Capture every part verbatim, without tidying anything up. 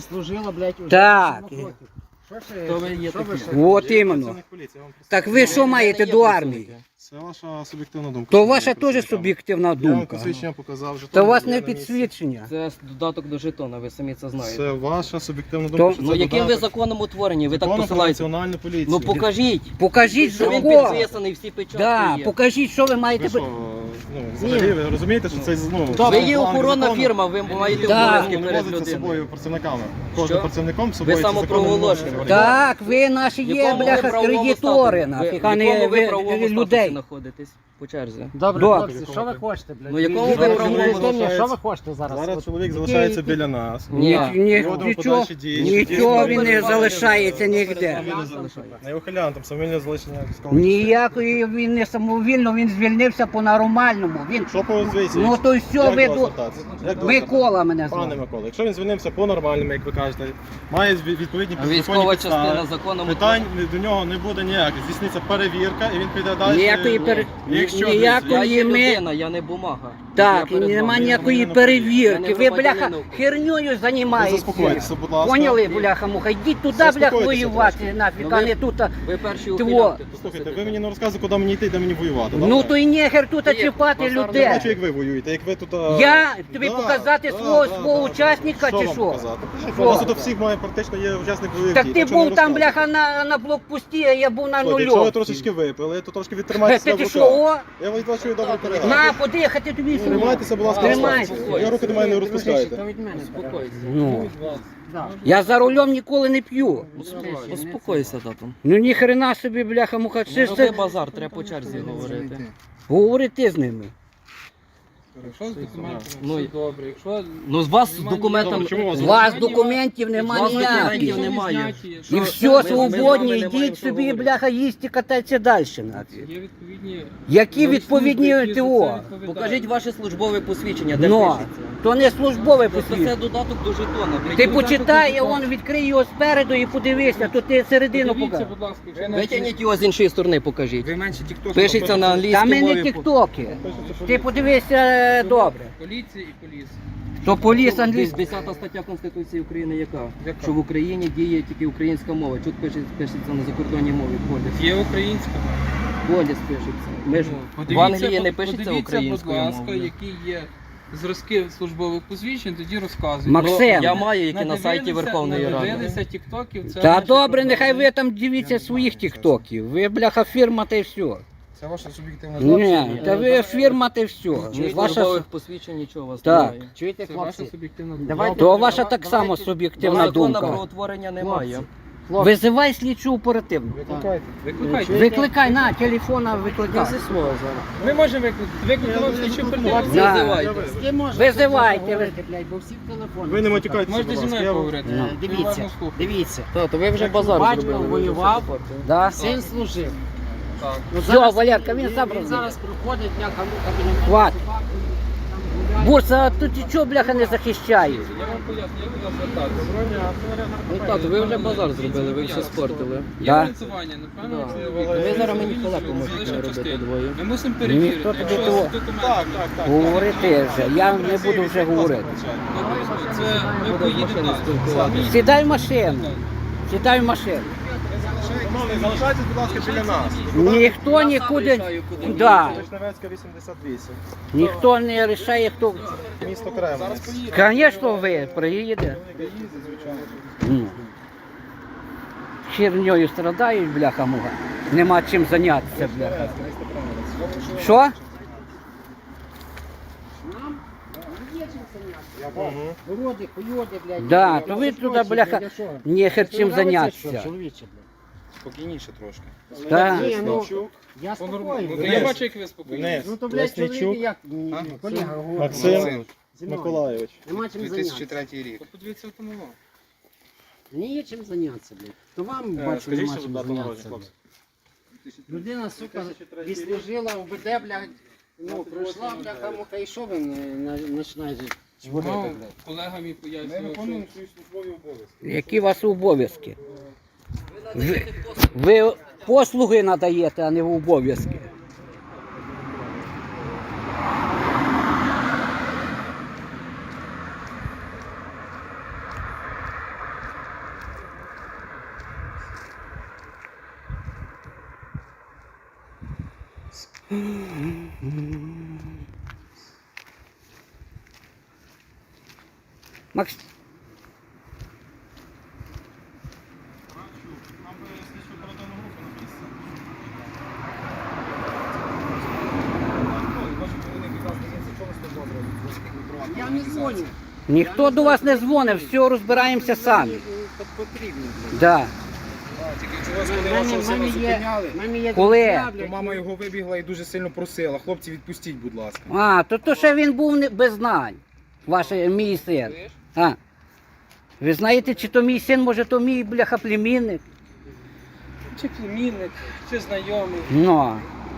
служила, блядь, уже Так. вісім років. Що ще? Хто ви є Що ви такі? ще? От іменно. Так ви що маєте до армії? Це ваша суб'єктивна думка. То ваша теж суб'єктивна Я вам думка. посвідчення показав. То жетон у вас є не на місці. підсвідчення. Це додаток до жетона, ви самі це знаєте. Це ваша суб'єктивна То- думка. що Ну це яким ви додаток. законом утворені? Ви так Законом про посилаєте? національну поліцію. Ну покажіть. Покажіть Що він закон. підписаний, всі печатки Да, є. покажіть, що ви Ви маєте. що, ну, взагалі, ви розумієте, що це, ну... Ви є план охоронна закону. фірма, ви маєте Да. обов'язки Не перед возиться з людиною. собою працівниками. Кожним працівником з собою ці закони самопроголошені. не може. Так, ви наші В є, якому ви бляха, правовому кредитори, статусі? нафіг, Ви- а в не якому ви ви- правовому статусі людей. знаходитесь по черзі? Добре, Добре. хлопці, що ви хочете, блядь? Ну, якому Ви- ви ви- правовому ви- ви- залишається? Що ви хочете зараз? Зараз От чоловік які- залишається які- біля нас. Ні, ні, Проводимо нічого, подальші дії. нічого він не Дії. залишається ніде. Не ухилян, там самовільне залишення військового. Ніякої він не самовільно, він звільнився по-нормальному. Він... Що по звідси? Ну то й все, Як ви до вас тут... звертатися? Як до вас Микола мене Пане звати. Микола, якщо він звільнився по-нормальному, як ви кажете, має зві- відповідні А законні військова підстави, частина законом питань до нього не буде ніяких. Здійсниться перевірка і він піде далі. Ніякої пере- Якщо ніякої- Я Коли є ми- людина, я не бумага. Так, Я перед нема вами. ніякої Я перевірки. не Ви, бляха, громадянин. херньою Ви займаєтеся. заспокойтеся, будь ласка. Поняли, бляха, муха? Йдіть туди, Заспокойтеся блях, воювати трошки. нафіг, Ну, а ви- не тут. а- Ви перші Тво. ухилянти. Слухайте, ви мені не розказуєте, куди мені йти, де мені воювати. Ну добре? то і нехер тут Є, чіпати базар не Я людей. бачу, як ви воюєте, як ви тут... а, Я тобі да, показати да, свого- да, свого да, учасника да. чи вам що? показати? Покажіть, Що? У вас тут всіх має практично є учасник бойових Так дій, ти що не був там, розказуйте. бляха, на, на блокпості, а я був на Слухайте, Якщо ви нульовці. трошечки випили, то трошки відтримайтеся Ти в ти руках. що, о? Я вас бачу добре передав. На, подихати тобі сюди. Тримайтеся, будь ласка, Тримайся. розслабтеся. Я руки до мене не То розпускайте. від мене. Успокойся. Ну, Да. я за рулем ніколи не п'ю. Успокойся, тату. Ну ніхрена собі, бляха, муха. Не Це ж роби це... базар, треба по черзі говорити. Говори ти з ними. Якщо з документами Ну, все добре, якщо Ну з вас з документом... Добре, чому у вас У вас документів нема З вас документів ніяких. немає. І Ми- все, ми з вами свободні, не маємо йдіть що собі, говорити. бляха, їсти, катайтеся далі. нафіг. є відповідні... Які нові відповідні служби, які за ТО? це відповідають. Покажіть ваше службове посвідчення, де Ну, пишеться. то не службове Тобто це посвідчення. додаток до жетона. Ти Прийдіть, почитай, он відкрий його спереду і подивися, то ти середину Подивіться, покажи. будь ласка, якщо Витягніть його з іншої сторони, покажіть. ви менше тікток. Пишеться на Та англійській ми не мові. тіктоки. Ти подивися е, добре. Поліція і поліс. То поліс англійський. десята стаття Конституції України яка? Яка? Що в Україні діє тільки українська мова. Тут пишеться, пишеться на закордонній мові. Поліс. Є українська. Поліс пишеться. Ми ж Ну, в Англії не под- пишеться подивіться, українською будь ласка, мовою. які є зразки службових посвідчень, тоді розказуйте. Максим. Ну, я маю, які на сайті Надивилися- Верховної Ради. Надивилися тіктоків, це Та наші добре, проблеми. нехай ви там дивіться своїх тіктоків. Ви, бляха, фірма та й все. Це ваша суб'єктивна Ні, та ви фірма та й все. Ні Ваша... службових посвідчень, нічого у вас Так. немає. Чуєте, Це ваша хлопці? суб'єктивна Давайте- думка. То ваша так само Давайте- суб'єктивна Закону про думка. утворення немає. Хлопці, Визивай слідчу оперативну. Викликайте. Викликайте. Викликай на телефона, викликай. Ми можемо викликати. Викликати вам слідчу оперативну. Да. Визивайте. з ким можна Визивайте. говорити, блядь, бо всі в телефоні. Ви не матюкайтеся, Можете будь зі ласка. мною Я вам- поговорити? Е, Ви Дивіться, уважно слухайте. дивіться. То, то ви вже базар Батько зробили. ви воював. вже це Да? Син служив. Так. Ну, Все, зараз- Валерка, він сам Він розуміє. зараз приходить, бляха, муха, біля мене Хват. собаку, там гуляє. Бурса, а тут і чого, бляха, не захищаєш? Я вам поясню, як до нас звертатися. Ну так, ви вже базар зробили, ви все спортили. Є Да. фінансування, напевно, Да. це Ви зараз мені вільно халепу можете залишимо робити частину. двоє. Ми мусимо Ніхто перевірити, тобі якщо того- з документами. Так, так, так. Говорити вже, я не буду вже говорити. Це ми поїдемо далі. Сідай в машину. Сідай в машину. Шановний, залишайтесь, будь ласка, біля нас. Ніхто нікуди. Да. Вишневецька, вісімдесят вісім. Ніхто не рішає, хто. Місто Кремлець. Звісно, ви приїде. Ну. Херньою страдають, бляха муга. Нема чим зайнятися, бляха. Що? Нам є чим зайнятися. Городи, хуйоди, блядь. Да, то ви туди, бляха, не хер чим зайнятися. Чоловіче, блядь. Спокійніше трошки. Так. Ні, ну, я Ну, спокійний. я бачу, як ви спокійні. Вниз. Ну то, блядь, чоловік Лесничук. як ні, ні, колега говорить. Максим Зі мною. Миколайович. Нема чим зайнятися. То подивіться автомобіль. Мені є чим зайнятися, блядь. То вам, Е, бачу, скажіть, нема що чим дату зайнятися. народження, блядь. Людина, сука, відслужила в БД, блядь, ну, пройшла, бляха, муха, і що ви не- не- починаєте чворити, Ну, блядь? колега мій пояснював, що свої службові обов'язки. Які у вас обов'язки? Ви, ви послуги надаєте, а не обов'язки. Макс... Нам би слідчу оперативну групу на місці. Я не дзвоню. Ніхто до вас не дзвонив, все, розбираємося самі. Потрібно. Да. В мене, в мене є, в мене є Коли? друзі, То блядь, мама його вибігла і дуже сильно просила. Хлопці, відпустіть, будь ласка. А, то, то ще він був не- без знань. Ваш мій син. А. Ви знаєте, чи то мій син, може, то мій бляха племінник? Чи племінник, чи знайомий. Ну.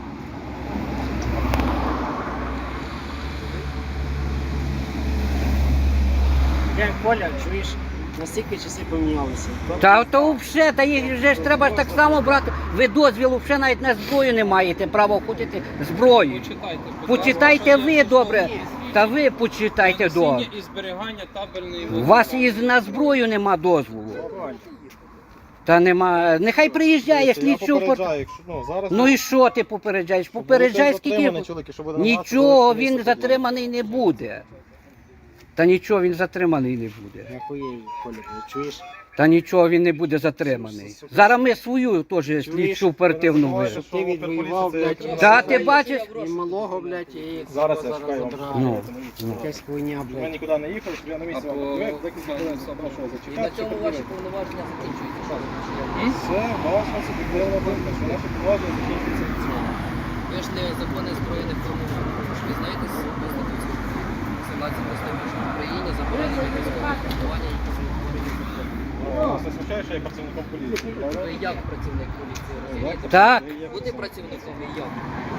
Я Коля, чуєш, наскільки часи помінялися. Та то взагалі, та їх вже ж треба ж так само брати. Ви дозвілу взагалі навіть на зброю не маєте права входити зброю. Почитайте. будь Почитайте ласка, ви що добре. є Та ви почитайте носіння добре. і зберігання табельної У вас і на зброю нема дозволу. Та нема. Нехай приїжджає Я слідчу. попереджаю, якщо, ну, зараз... Ну і що ти попереджаєш? Попереджай скільки. Затриманий чоловік, якщо буде намагатися Нічого залишити він місце, затриманий не буде. Та нічого він затриманий не буде. Нахуєю, Коля, чуєш? Та нічого він не буде затриманий. Зараз ми свою теж слідчу оперативну Чуєш? вижимо. Ти відвоював, блядь, Та ти бачиш? і малого, блядь, і Зараз я зараз шукаю вам. забрали. Ну, ну. Якась хуйня, Ми блядь. нікуди не їхали, щоб я на місці Або- вам відповів, декілька хвилин запрошував І на зачекати. цьому щоб ваші подивитися. повноваження закінчуються. Що ви Це ваша суб'єктивна думка, що наші повноваження закінчуються від цього. Ви ж не закони збройних формувань. Ви знаєте з Конституції? сімнадцята стаття, що в Україні заборонені військові формування, які утворені законом. Ну, Вас не смущає, що я є працівником поліції, правда? Ви як працівник поліції розумієте? Так. Ви є Бути працівником і як?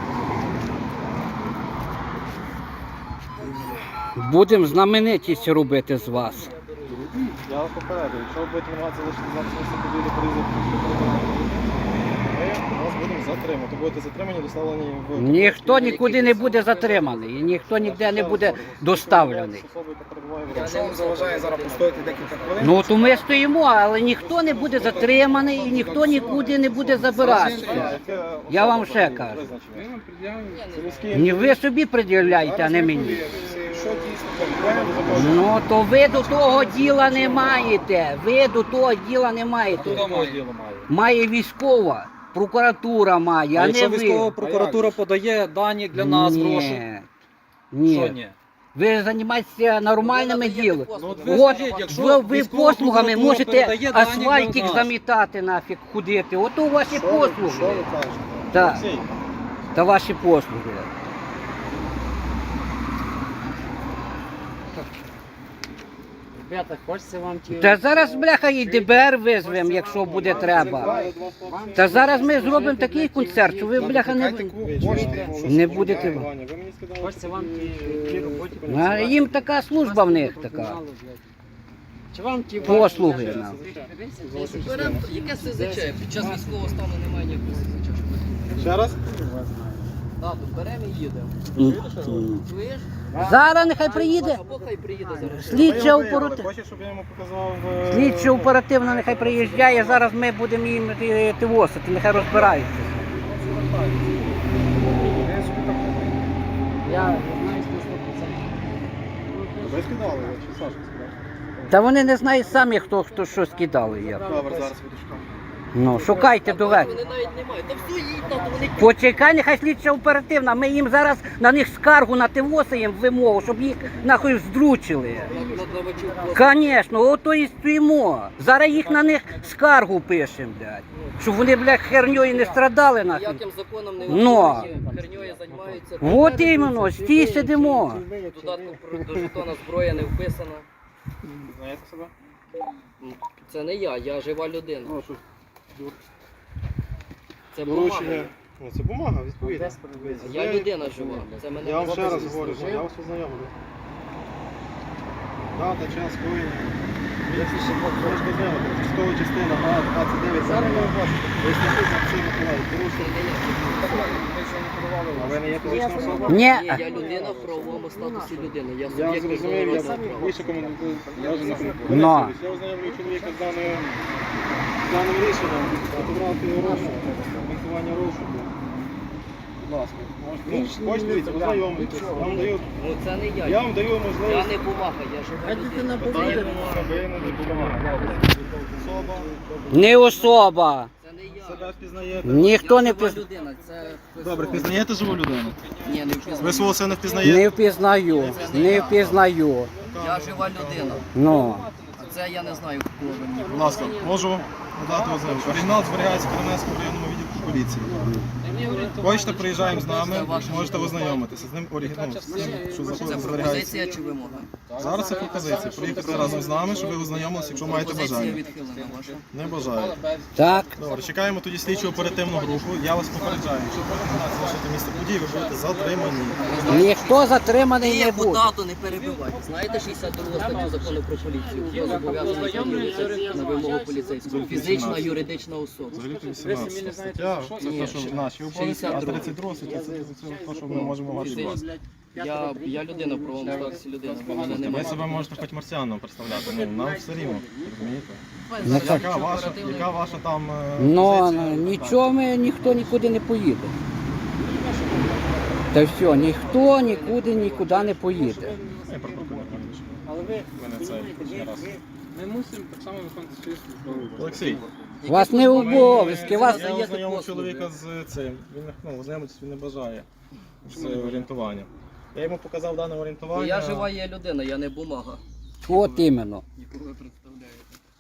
Будемо знаменитість робити з вас. Я вас попереджую, якщо ви будете намагатися залишити з нами місце події порізати, ми вас будемо затримати. Будете затримані, доставлені в... Ніхто нікуди не буде затриманий, і ніхто ніде не буде доставлений. Особа, яка перебуває в Якщо вам заважає зараз постояти декілька хвилин, Ну то ми стоїмо, але ніхто не буде затриманий і ніхто нікуди не буде забиратися. Я вам ще кажу. Ми вам пред'явимо. Це міський Ні ви собі пред'являєте, а не мені. що дійсно проблема, Ну то ви до того діла не маєте. Ви до того діла не маєте. Має військова, прокуратура має, а, не ви. прокуратура подає дані для нас Ні. гроші. Що Ні. ні? Ви займаєтеся нормальними ділами. Ну, от ви От скажіть, якщо ви, ви військова послугами прокуратура можете передає дані для асфальтик нас. замітати нафіг, ходити. Ото ваші Що ви- Що ви послуги. кажете? Так, Олексій, та ваші послуги. Ребята, хочеться вам ті... Та зараз, бляха, і ді бе ер визвемо, якщо буде треба. Та зараз ми зробимо такий концерт, що ви, бляха, не, не будете. Ваня, ви мені сказали, Хочеться вам ті, ті роботі... А їм така служба в них така. Чи вам ті... Послуги нам. Беремо, яке СЗЧ? Під час військового стану немає ніякого СЗЧ. Ще раз? Так, беремо і їдемо. Чуєш? Зараз нехай приїде. Або хай приїде зараз. Слідча Ви його виявили. оперативна. Хочеш, щоб я йому показав... е, Слідча оперативна нехай приїжджає, зараз ми будемо їм е, тивосити, нехай розбираються. Я знаю, що сто процентів. Ви скидали, ви чи Саша скидав? Та вони не знають самі, хто, хто що скидали. Я. Добре, зараз буду шукати. Ну, шукайте до вечора. Вони навіть не мають. Та все їдь, там вони Почекай, нехай слідча оперативна, ми їм зараз на них скаргу на тивосаємо вимогу, щоб їх нахуй здручили. надавачів. Звісно, ото і стоїмо. Зараз їх на них скаргу пишемо, блядь. Щоб вони, блядь, херньою не страдали нахуй. Ніяким законом не Ну. виконують, херньою займаються. От іменно, стій сидимо. Додатку про- до жетона зброя не вписана. Знаєте себе? Це не я, я жива людина. Ну, що, Це бумага. доручення. Ну, це бумага, відповідно. Я людина жива. Це мене Я вам ще раз особисто говорю, що жив. я вас ознайомлю. Дата, час, коїння. Ви ж познайомити. Військова частина А двадцять дев'ять. Зараз ви бачите. Ви ж написано Олексій Миколаївич. Порушення. А ви не є фізична особа? Ні. Ні, я людина в правовому статусі людини. Я Я суб'єкт зрозумів, я міжнародного права. більше коментую. Я вже не коментую. Но. Я ознайомлюю чоловіка з даною з даним рішенням. Фотографію розшуку, коментування розшуку. ласка. Ви Ну, ж не хочете, дивіться, любите, ознайомитися. нічого. Я вам даю, Ну це не я. я вам даю Я можливість. не бумага, я жива Хай дитина людина. повинна. Ви не допомагаєте. Особа, Не особа. Це не я. себе впізнаєте. Ніхто Я не жива впіз... людина, це хтось Добре, другий. впізнаєте живу людину? Ні, не Ви впізнаю. свого сина впізнаєте? Не впізнаю, не впізнаю. Я жива людина. Ну. А це я не знаю, кого ви мені. Будь ласка, можу надати ознайомку. Оригінал зберігається в Кременецькому районному відділку поліції. Хочете, приїжджаємо з нами, можете ознайомитися з ним оригіналом, з тим, що Це знаходиться, зберігається. пропозиція чи вимога? Зараз це пропозиція. Приїхати разом з нами, щоб ви ознайомилися, якщо маєте Пропозиція бажання. відхилена ваша. Не бажаю. Так. Добре, чекаємо тоді слідчу оперативну групу. Я вас попереджаю, якщо пропонувати залишити місце події, ви будете затримані. Ніхто затриманий не Яку буде. дату не перебивайте. Знаєте шістдесят другу статтю закону про поліцію? Хто зобов'язаний з'явитися на вимогу поліцейського? Фізична, юридична особа. Взагалі вісімнадцята стаття, це те, що наші обов'язки, а тридцять друга стаття це те, що ми можемо вас від вас. Я, я людина в правовому статусі людина, ви мене не Ви маєте. себе можете хоч марсіаном представляти, ну нам все рівно, розумієте? Ну, Яка ваша, яка ваша там е, Ну, позиція? нічого ми, ніхто нікуди не поїде. Та все, ніхто нікуди нікуди не поїде. Я прокурор не пам'ятаю. Але ви Мене це не раз. Ми мусимо так само виконувати свою службову. Олексій, У вас не обов'язки, вас я ознайомив чоловіка з цим. Він не- ну, ознайомитись він не бажає з орієнтуванням. Я йому показав дане орієнтування. Я жива є людина, я не бумага. от іменно. Нікого ви представляєте.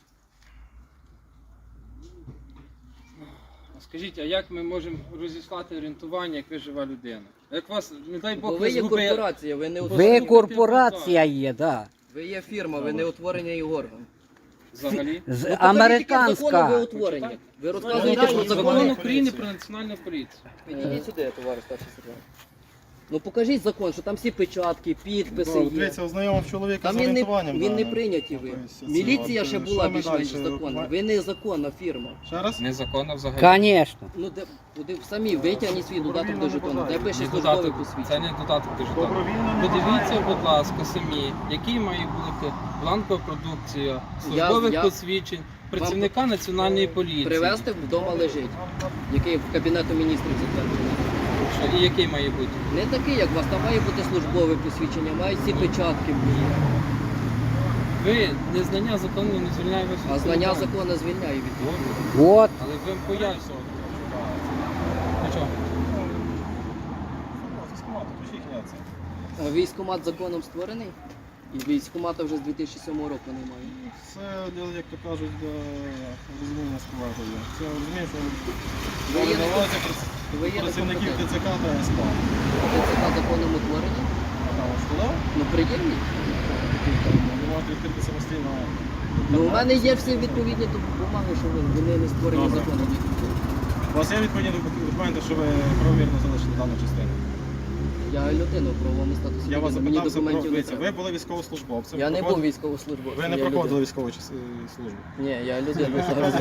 Скажіть, а як ми можемо розіслати орієнтування, як ви жива людина? Як вас, не дай Бо Бог, ви є згубили- корпорація, ви не Ви утворені. корпорація є, да. Ви є фірма, ви не утворені орган. взагалі? З Ну, покажіть, яке закону американська. ви утворені. Ви розказуєте Ні, про ні, Закон закони. України про національну поліцію. Підійдіть сюди, товариш старший сержант. Ну покажіть закон, що там всі печатки, підписи Добре, є. Дивіться, ознайомив чоловіка Там з він не, орієнтуванням. він не даним. прийняті ви. Тобто, Міліція от, ще що була ми більш-менш далі? законна. Ви не законна фірма. Ще раз? Незаконно взагалі. Звісно. Ну де куди самі витягніть свій додаток до жетону, де пише Це службове додаток, це посвідчення. не додаток до жетону. Добровільно не Подивіться, бажає. будь ласка, самі, який має бути бланкова продукція, службових я- посвідчень працівника національної поліції. Привезти вдома лежить, який в Кабінету міністрів затверджений. Що, і який має бути? Не такий, як у вас, там має бути службове посвідчення, мають всі печатки. Ви незнання закону не звільняє вас від А знання відповідальності. закону звільняє від того. От. Але ви пояснювати. Ну чого? Військкомат, то їхня це. А Військкомат законом створений? І військкомата вже з дві тисячі сьомого року немає. Це, як то кажуть, для розуміння справи. Це розумієш, що Ви є не давайте Ви є працівників некомпетентні. ТЦК та СПА. ТЦК законом утворені? А там ось туди, Ну приємні. ви можете відкрити самостійно. Ну у мене є всі відповідні бумаги, що ви- вони не створені Добре. законом. У вас є відповідні документи, що ви правомірно залишили дану частину? Я людина в правовому статусі. Я вас людини, мені запитався про документів не дивіться, треба. ви були військовослужбовцем. Я не був проходили- військовослужбовцем. Ви не я проходили людина. військову час- е, службу. Ні, я людина.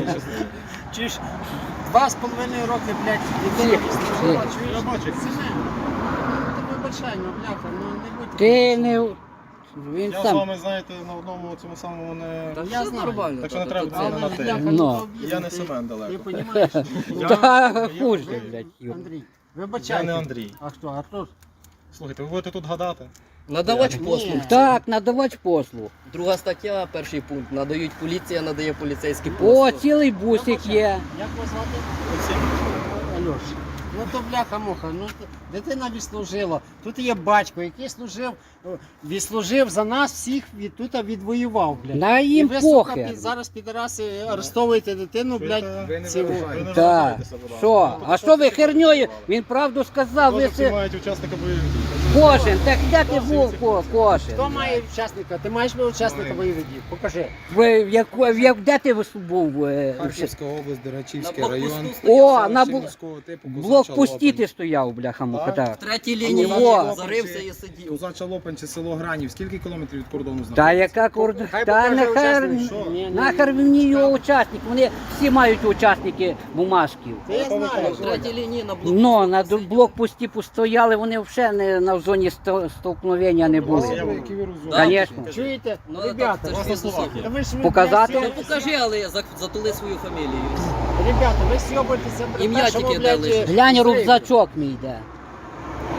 Чи ж два з половиною роки, блядь, дитина відслужила, чуєш? Я бачу. Ну, ти вибачай, ну, бляха, ну не будь. Ти не. Він Я з сам. вами, знаєте, на одному цьому самому не... Та Я все знаю. нормально. Так що не та- треба та це це- на Але, те. бляха, Ну. ну, то обідно, Я не ти- Семен Ти далеко. розумієш? Та я- хуже, я- блядь. Юр. Андрій, Я вибачай. не Андрій. А хто? Артур? Слухайте, ви будете тут гадати? Надавач Ні. послуг. Так, надавач послуг. Друга стаття, перший пункт. Надають поліція, надає поліцейський О, послуг. цілий бусик є. Як вас звати? Олексій. Альош. Ну то бляха-муха, ну т- дитина відслужила. Тут є батько, який служив, о, відслужив за нас всіх, від, тут відвоював, блядь. На І їм ви, сука, похер. під, зараз підараси арештовуєте дитину, блядь, Ви не цього. виражаєте. Ви не Так. виражаєтеся, будь ласка. Що? А що ви херньою? Він правду сказав, ви Хлопці це мають учасника бойових. кожен. Так де ти був ко- кожен? Хто має учасника? Ти маєш би учасника Маю. бойових дій? Покажи. Ви в яку- в як де ти вис- був? е, Харківська область, На Дерачівський блокпосту район. стояв. О, на селище бу- міського типу, блокпості Козача ти стояв, бляха муха, Так. так. В третій лінії Во. зарився і сидів. Козача Лопанці, село Гранів. Скільки кілометрів від кордону Та знаходиться? яка кордон? Хай Та покаже нахер, учасник, що? Ні, ні, нахер ні. мені його учасник. Вони всі мають учасники бумажків. Та я знаю. В третій лінії на блокпосту. Ну, на ду- блокпості постояли, вони взагалі не на зоні сто- столкновення не Вас були. є Які ви розумієте? Да. Звісно. Чуєте? Ну, Ребята, так, У вас це на ж словах всі. є. та ви ж ви, Показати? блядь, Ну покажи, але за- затули свою фамілію. Ребята, ви сьобуєтеся при Ім'я першому, тільки блядь, дали. е, Глянь, зриві. рюкзачок мій йде.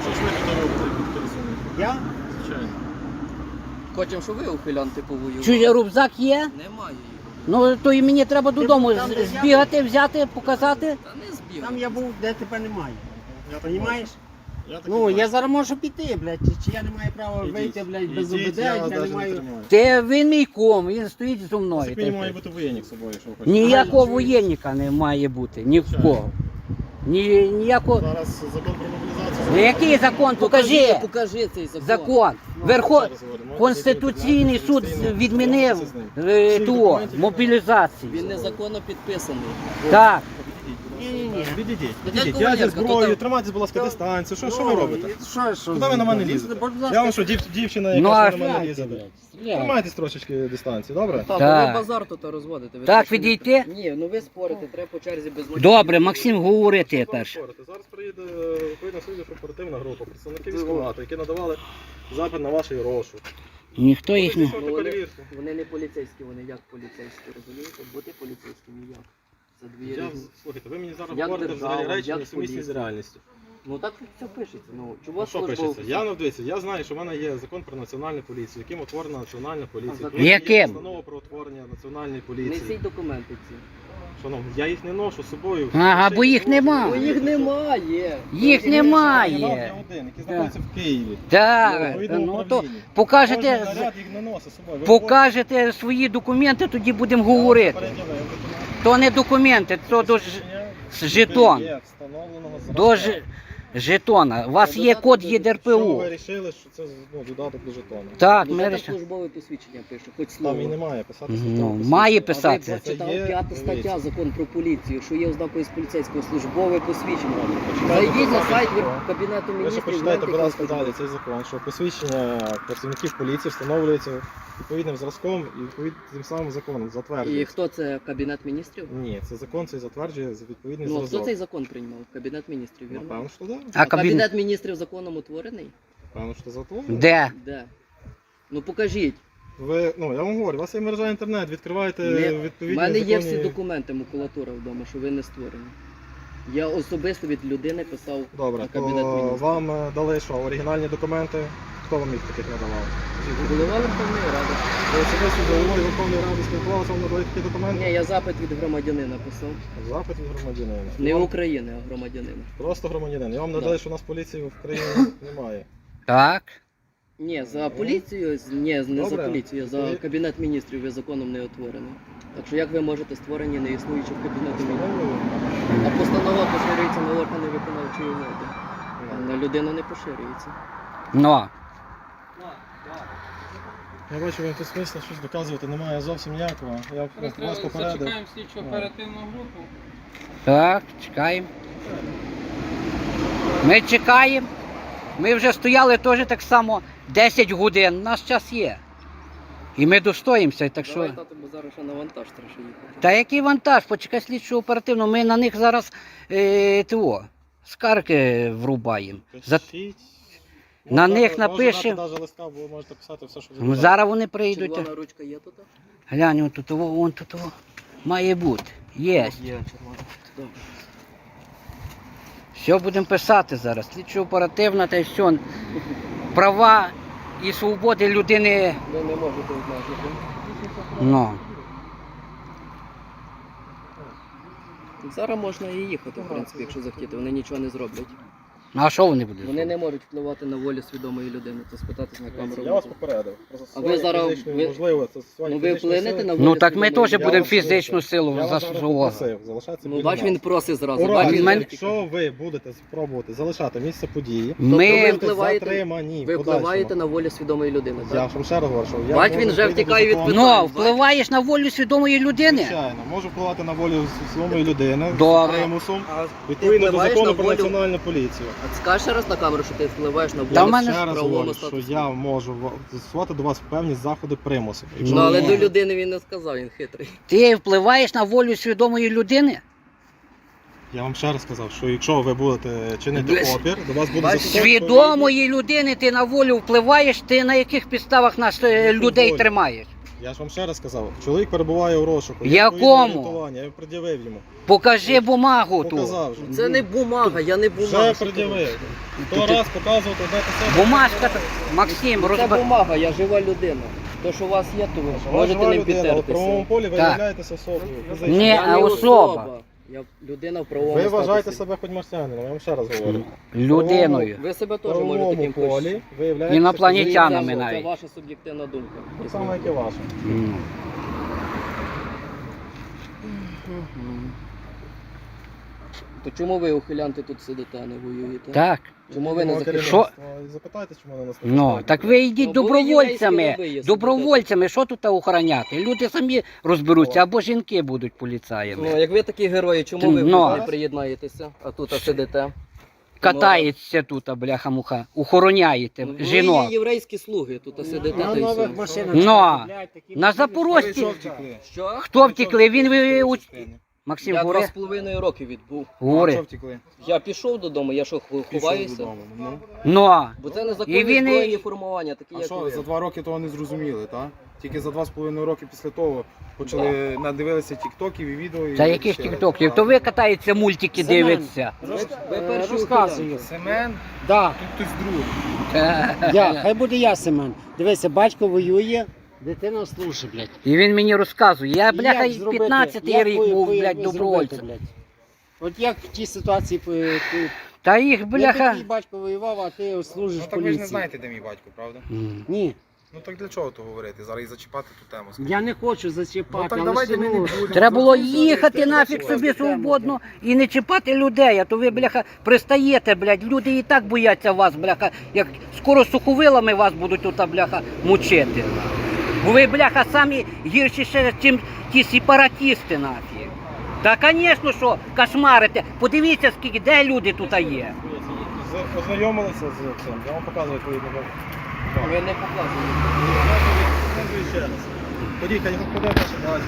Що ж ви тут робите, як підписані? Я? Звичайно. Хочемо, щоб ви ухилянти повоювали. Чужий рюкзак є? Немає її. Ну то і мені треба додому там, з- де я збігати, взяти, показати. Та не збігай. Там я був, де тепер немає. Я так Понімаєш? Я так Ну, і я бачу. зараз можу піти, блядь, чи, чи я не маю права Ідіть. вийти, блядь, без Ідіть, ОБД, я я, вас не навіть не маю... тримаю. Ти він мій ком, він стоїть зі мною. Тільки та й не має все. бути воєнник з собою, що ви хочете. Ніякого воєнника не має бути, ні в кого. Ні, ніякого. Зараз закон про мобілізацію. Ну, який закон? Покажи. Покажи цей закон. Закон. Ну, Верхо... ще раз говорю, можете Конституційний зайти в суд Конституційний, відмінив розбиратися з ним. е, Всіх ту документів мобілізацію. Він незаконно підписаний. Так. Ні-ні-ні. Відійдіть, Дядько відійдіть. Я зі Валерка, зброєю, то- тримайтесь, будь ласка, дистанцію. Що, що ви робите? Що, що? Куди ви на мене лізете? Я вам що, дів, дівчина, Ну, яка а що на мене Стріляйте, лізе? блядь, стріляйте. Тримайтесь трошечки дистанції, добре? Так, Так. ви базар тут розводите. Ви Так, точно не- відійти? Ні, ну ви спорите, треба по черзі без мотивів. Добре, Максим, говори ти Що ви перше. говорите? Зараз приїде відповідна слідчо оперативна група, представники військкомату, які надавали запит на ваш розшук. Ніхто їх не. Проведіть вони- перевірку. Вони не поліцейські, вони як поліцейські, розумієте? Бути поліцейським як? Це дві Я, різні. слухайте, ви мені зараз Як говорите держава, взагалі речі, як несумісні з поліція. реальністю. Ну так все пишеться. Ну, чого А що службовець? пишеться? Я не дивіться, я знаю, що в мене є закон про національну поліцію, яким утворена національна поліція. закон? Потім є Яким? Постанова про утворення національної Несіть поліції. документи ці. Шановні, я їх не ношу з собою. Ага, Ще бо й їх не нема. ношу. Ну їх немає. Їх Я немає. один, який знаходиться в Києві. Так, Відповідному ну то управлінні. Кожен покажете, наряд їх не носить з собою. Ви покажете свої документи, тоді будемо говорите, говорити. переділив документи. То не документи, то до ж- жетон. Є встановленого зразка. До ж- жетона. У вас є код Що ЄДРПУ. ви вирішили, що це ну, додаток до жетону? Так, Ну, ми це так рішили. службове посвідчення пише, хоч Там слово. і немає писати Ну, службове має посвідчення. А ви писати. прочитали Це є, п'ята стаття дивіться. закон про поліцію, що є ознакою з поліцейського службове посвідчення. Почитайте, Зайдіть на будь ласка, сайт закон. Вер- Кабінету Ви ще міністрів. почитайте, гляньте, будь ласка, яка далі служба. цей закон, що посвідчення працівників поліції встановлюється відповідним зразком і відповідним тим самим законом І затверджується. хто це Кабінет міністрів? Ні, це закон цей затверджує за відповідний Ну, а хто зразок. цей закон приймав? Кабінет міністрів, вірно? Напевно, що так. А кабінет? Кабінет міністрів законом утворений? Напевно, що затворено. Де? Де? Ну покажіть. Ви, ну, я вам говорю, у вас є мережа інтернет, відкриваєте Не- У відповідні мене є законні- всі документи, макулатура вдома, що ви не створені. Я особисто від людини писав Добре, на то Кабінет міністрів. вам е, дали що, оригінальні документи? Хто вам їх таких надавав? Голова Верховної Ради. Ви особисто з головою Верховної Ради спілкувалися, вам надали такі документи? Ні, я запит від громадянина писав. Запит від громадянина. Не Вам України, а громадянина. Просто громадянин. Я вам Да. надали, що у нас поліції в країні немає. Так. Ні, за поліцію, з- ні, не Добре. за поліцію, за Ви- Кабінет міністрів ви законом не утворений. Так що як ви можете створені не існуючи в Кабінеті міністрів? Встановлюю. А постанова поширюється на органи виконавчої влади. А на людину не поширюється. Ну. Я бачу, вам тут смисла щось доказувати немає зовсім ніякого. Я Зараз вас треба попередив. зачекаємо слідчу оперативну групу. Так, чекаємо. Ми чекаємо. Ми вже стояли теж так само десять годин. У нас час є. І ми достоїмося, так що. Давай, тато, бо зараз ще на вантаж треба ще їхати. Та який вантаж? Почекай слідчу оперативно. Ми на них зараз е, того, скарги врубаємо. За... Пишіть. На Можна- них можна напишемо. дати навіть листка, бо ви можете писати все, що ви Ну, бажаєте. зараз вони прийдуть. Червона ручка є тут? Глянь, он тут, во, вон тут во. Має бути. Є. Є червона. Добре. Все будемо писати зараз. Слідчо оперативна та й все. Права і свободи людини. Ви не можете обмежити. Ну. Зараз можна і їхати, в принципі, якщо захотіти. Вони нічого не зроблять. Ну а що вони будуть? Вони не можуть впливати на волю свідомої людини, то спитатись на камеру. Я вас попередив. Про застосування ви зараз- фізичної, ви- можливо, застосування Ну ви фізичної вплинете сили. на волю Ну так ми свідомої теж людини? будемо вас фізичну прошу. силу Я вас зараз застосовувати. попросив залишатися Ну біля бач, нас. він просить зразу. У Бач, разі, він мене- якщо ви будете спробувати залишати місце події, Тобто ви Ми будете впливаєте- затримані. Ви в подальшому. впливаєте на волю свідомої людини, Я так? ж вам ще раз говорю, що я Бач, можу він вже відповідно втікає до від закону- питань. Ну, впливаєш на волю свідомої людини. Звичайно, можу впливати на волю свідомої людини Добре. з примусом, А відповідно до впливаєш закону на про волю- національну поліцію. А скажеш ще раз на камеру, що ти впливаєш на волю Та в мене- Ще раз правовому говорю, що статусі. я можу ва- застосувати до вас певні заходи примусу. Якщо Ну ви але не до можете- людини він не сказав, він хитрий. Ти впливаєш на волю свідомої людини? Я вам ще раз сказав, що якщо ви будете чинити Без- опір, до вас буде Бачиш, застосовано Свідомої людини ти на волю впливаєш, ти на яких підставах нас е, людей волю. тримаєш? Я ж вам ще раз сказав, чоловік перебуває у розшуку. Якому? Відповідне орієнтування, Я пред'явив йому. Покажи бумагу ту. Показав вже. Це не бумага, я не бумага. Вже пред'явив. То раз показувати, де писати. Бумажка, Максим, Це розбер... бумага, я жива людина. То, що у вас є, то ви Ви можете жива не людина, але в правовому підтертися. полі ви Так. являєтеся особою. фізичною. Ні, Я а не особа. Я людина в правовому Ви вважаєте статусі. себе хоч марсіанином, я вам ще раз говорю. Людиною. Ви себе В теж можете правовому таким полі ви являєтеся Інопланетянами Це- навіть. Це ваша суб'єктивна думка. Так само, як і ваша. М. То чому ви, ухилянти, тут сидите, а не воюєте? Так. Чому ви не Керівництво, захищаєте? і Запитайте, чому вони нас не Ну, пускають. так ви йдіть Ну, бо ви добровольцями. єврейські раби є, Добровольцями, що тут охороняти? Люди самі розберуться, або жінки будуть Ну, поліцаями. як ви такі герої, чому ви Ну. не приєднаєтеся, а тут сидите? Катається тут, бляха-муха, охороняєте Ну, ви жінок. є єврейські слуги, тут сидите. На та й нових все. машинах. Ну, купляють такі На машини, Запорожці. що втекли? Що? Хто втекли? Він ви... у- Максим, Я два говори. з половиною роки відбув. Говори. втекли? Я пішов додому, я що, ху- ховаюся? Ну. Ну, Бо це І незаконні він і- збройні формування, такі А як що, ви. за два роки того не зрозуміли, так? Тільки за два з половиною роки після того почали надивилися тіктоків і відео. і та яких вирішили. тіктоків? То ви катаєте мультики, Семен. дивиться. Ви Е, перші Розказую. Семен, Да, тут хтось другий. я, хай буде я, Семен. Дивися, батько воює, дитина служить, блядь. І він мені розказує. Я, І бляха, як зробити? п'ятнадцятий Як рік ви- був, ви- блядь, ви добровольцем. зробите, блядь? От як в тій ситуації по- по- Та їх, якби бляха. твій батько воював, а ти служиш Ну в так ви ж не поліції. знаєте, де мій батько, правда? М. Ні, Ну так для чого то говорити? Зараз і зачіпати ту тему. я не хочу зачіпати, Ну так але давайте ж, ми не ну, будемо. Треба було Ну, їхати це нафіг це собі це свободно це. і не чіпати людей, а то ви, бляха, пристаєте, блядь. Люди і так бояться вас, бляха, як скоро суховилами вас будуть тут, бляха, мучити. Бо ви, бляха, самі гірші ще, ніж ті сепаратісти, нафіг. Та, звісно, що кошмарите. Подивіться, скільки, де люди тут є. З- Ознайомилися з цим, я вам показую відповідно. Ви не показуєте. Показую ще раз. Ходіть, хай ходить ваше бачите.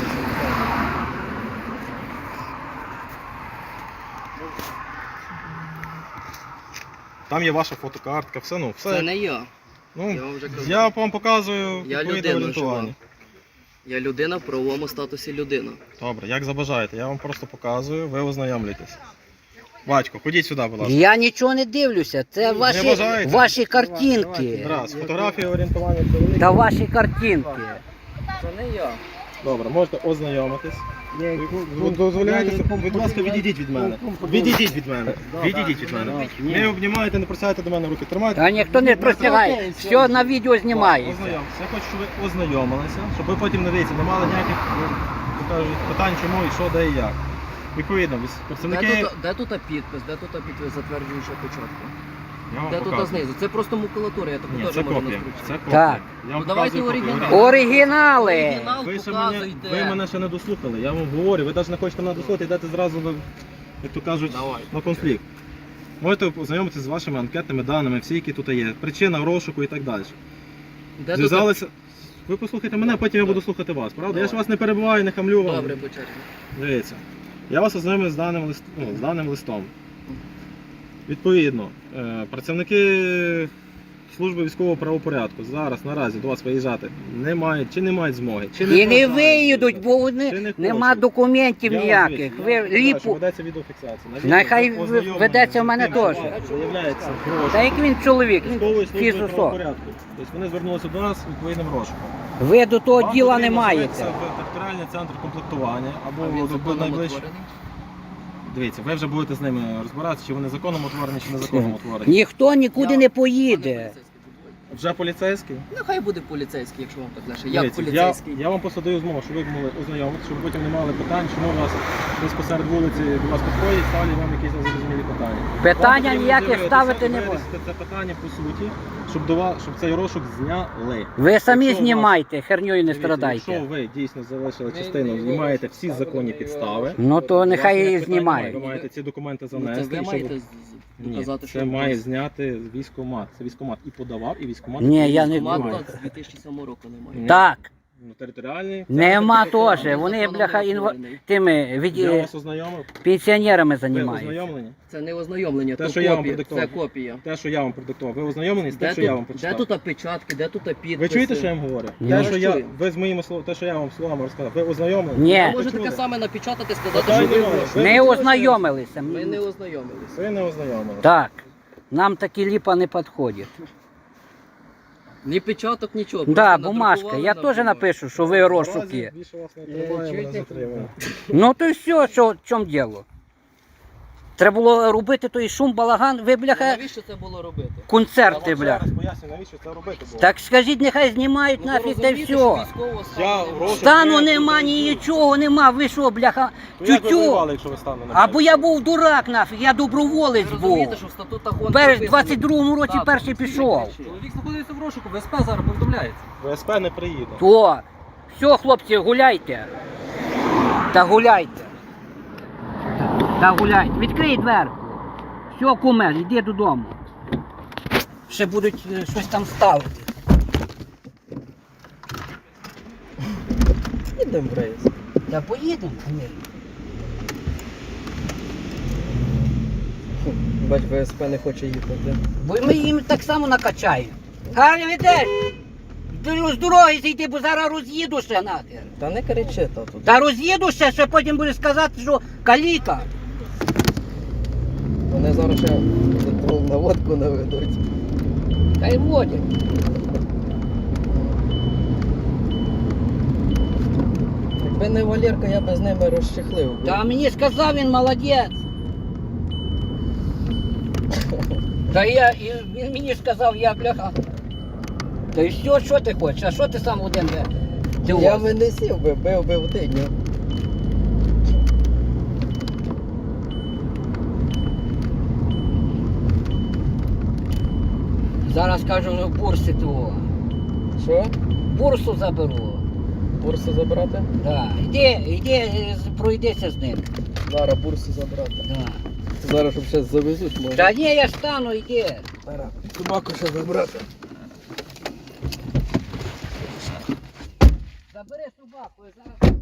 Там є ваша фотокартка, все, ну, все. Це не я. Ну, Я вам вже казав. я вам показую Я відповідне людина орієнтування. жива. Я людина в правовому статусі людина. Добре, як забажаєте, я вам просто показую, ви ознайомлюєтесь. Батько, ходіть сюди, будь ласка. Я нічого не дивлюся, це ваші, бажаєте? ваші картинки. Раз, фотографія орієнтування чоловіка. Та ваші картинки. Це не я. Добре, можете ознайомитись. я- Ви дозволяєте, я нікому будь ласка, подобаю. відійдіть від мене. Нікому подобаю. Відійдіть від мене. Відійдіть від мене. Ні. Не обнімаєте, не просяєте до мене руки. Тримайте. Та ніхто не простягає, окей, все на відео знімається. Ознайомтеся. Я хочу, щоб ви ознайомилися, щоб ви потім не дивіться, не мали ніяких ну, як кажуть, питань, чому і що, де і як. Відповідно, ви- Де представники. тут, де тут підпис, де тут підпис затверджуючого початку? Я вам Де тут показую. знизу? Це просто макулатура, я таку Ні, теж це можу копія. наскручити. Це копія. Так. Я вам Ну, давайте показую копію. оригінал. Оригінали. Оригінал Ви, ще мене, показуйте. ви мене ще не дослухали, я вам говорю, ви навіть не хочете мене дослухати, йдете зразу, на, як то кажуть, Давай. на конфлікт. Можете ознайомитися з вашими анкетними даними, всі, які тут є, причина розшуку і так далі. Де тут... Зв'язалися. Ви послухайте мене, потім я буду слухати вас, правда? Я ж вас не перебиваю, не хамлю вам. Добре, по черзі. Дивіться. Я вас ознайомив з даним, лист... ну, з даним листом. Відповідно, е, працівники служби військового правопорядку зараз наразі до вас виїжджати не мають чи не мають змоги. Чи І не бажають. виїдуть, бо Чи вони не нема хочуть. документів Я вам ніяких. звідси, Ви я вам кажу, що ліпу. ведеться відеофіксація. На відео Нехай ви ви- ознайомлені ведеться в з мене тим, що теж. Виявляється гроші. Та як він чоловік, він Військової служби фізусо. правопорядку. Тобто вони звернулися до нас відповідним розшуком. Ви до того Вам діла не потрібно маєте. звернутися в територіальний центр комплектування А або він до законом найближчого. утворений? Дивіться, ви вже будете з ними розбиратися, чи вони законом утворені, чи незаконно утворені. Ніхто нікуди Я- не Пане поїде. поліцейський, будь ласка. Вже поліцейський? Ну хай буде поліцейський, якщо вам так лише. Як Дивіться, я, поліцейський? я вам просто даю змогу, щоб ви могли ознайомитися, щоб ви потім не мали питань, чому у вас десь посеред вулиці до вас підходять, ставлять вам якісь незрозумілі питання. Питання Вам потрібно ніяких дивитися, ставити не вирішити буде. це питання по суті, щоб, до вас, щоб цей розшук зняли. Ви самі Якщо у вас- знімайте, херньою не Дивіться, страдайте. Якщо ви дійсно залишили частину і маєте всі законні підстави, Ну то у вас нехай ніяких її питань немає. знімають. Ви маєте ці документи Ну, це занести. ви і щоб- маєте з- з- Ні, доказати, що це у має вас зняти військкомат. Це військкомат і подавав, і військкомат. Ні, я не військкомат думаю. з дві тисячі сьомого року немає. Ні. Так. Ну, територіальний. Нема центр теж. територіальний. Вони, законом бляха, не інва... оформлений. тими від... Я вас ознайомив. пенсіонерами Ви займаються. ознайомлені? Це не ознайомлення, Те, то що я вам копія. продиктував. Це копія. Те, що я вам продиктував. Ви ознайомлені з тим, Де що я вам тут, де почитав? тут опечатки, де тут підписи? Ви чуєте, що я вам говорю? Ні. Те, Я що вас я, чую. ви з моїми словами, те, що я вам словами розказав, ви ознайомлені? Ні. Ви Ви можете чули? таке саме напечатати, сказати, Питання що ви немає. гроші. Ви Не чули, ознайомилися. Ми не ознайомилися. Ви не ознайомилися. Так. Нам такі ліпа не підходять. Ні печаток, нічого. Да, просто бумажка. надрукували Я на теж бумажці. напишу, що ви розшуки. Наразі більше вас не Е, тримає, мене чуєте? затримує. Ну то й все, що в чому діло. Треба було робити той шум, балаган, ви, Ну, бляха, навіщо це було робити? концерти, Я вам бляха. зараз поясню, навіщо це робити було. Так скажіть, нехай знімають Ну, ви нафіг та й розумієте, що все. військового стану Я немає? гроші- Стану Ні, нема, тут не нічого нема, ви що, бляха, То як ви тютю. воювали, якщо ви стану не Або я був дурак нафіг, я Ви доброволець був. розумієте, що в статутах ООН Перш в прописано- двадцять другому році Так, перший всі пішов. кричать. Чоловік знаходиться в розшуку, ВСП зараз повідомляється. ВСП не приїде. То, все, хлопці, гуляйте. Та гуляйте. Та гуляйте. Відкрий дверку. Все, куме, йди додому. Ще будуть е, щось там ставити. Їдемо в рейс. Та поїдемо, звісно. Бач, ВСП не хоче їхати. Бо ми їм так само накачаємо. Гарно йдеш. З дороги зійди, бо зараз роз'їду ще нахер. Та не кричи, тату. Та роз'їду ще, ще потім буде сказати, що каліка. Вони зараз ще на водку наведуть. Та й водять. Якби не Валерка, я би з ними розчехлив. би. Та мені сказав він молодець. Та я, і він мені сказав, я бляха. Та й все, що ти хочеш? А що ти сам один? бля? Ти Я ось? би не сів би, бив би в тиню. Зараз кажу, бурси того. Що? Бурсу заберу. Бурсу забрати? Да. Іди, іди, е, з- пройдися з ним. Зараз бурсу забрати. Да. Зараз щоб ще завезуть може. Та ні, я стану, іди. Зараз собаку ще забрати. Забери собаку, я зараз.